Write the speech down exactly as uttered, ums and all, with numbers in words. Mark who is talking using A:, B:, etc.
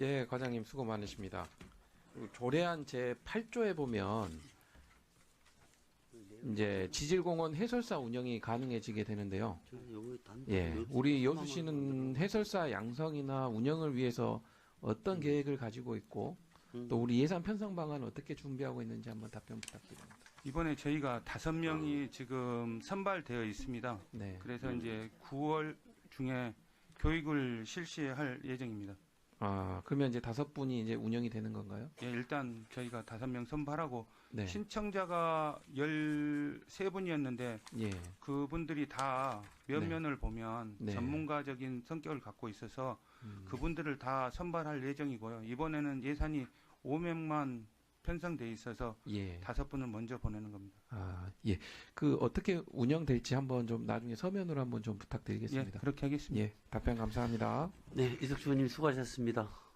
A: 예, 과장님 수고 많으십니다. 조례안 제팔 조에 보면 이제 지질공원 해설사 운영이 가능해지게 되는데요. 예, 우리 여수시는 해설사 양성이나 운영을 위해서 어떤 계획을 가지고 있고 또 우리 예산 편성 방안은 어떻게 준비하고 있는지 한번 답변 부탁드립니다.
B: 이번에 저희가 다섯 명이 지금 선발되어 있습니다.
A: 네.
B: 그래서 이제 구월 중에 교육을 실시할 예정입니다.
A: 아, 그러면 이제 다섯 분이 이제 운영이 되는 건가요?
B: 예, 일단 저희가 다섯 명 선발하고
A: 네.
B: 신청자가 열세 분이었는데
A: 예.
B: 그분들이 다 면면을 보면
A: 네.
B: 전문가적인 성격을 갖고 있어서
A: 음.
B: 그분들을 다 선발할 예정이고요. 이번에는 예산이 오백만 편성돼 있어서
A: 예.
B: 다섯 분을 먼저 보내는 겁니다.
A: 아, 예. 그 어떻게 운영될지 한번 좀 나중에 서면으로 한번 좀
B: 예,
A: 부탁드리겠습니다.
B: 그렇게 하겠습니다.
A: 예. 답변 감사합니다.
C: 네, 이석주 의원님 수고하셨습니다.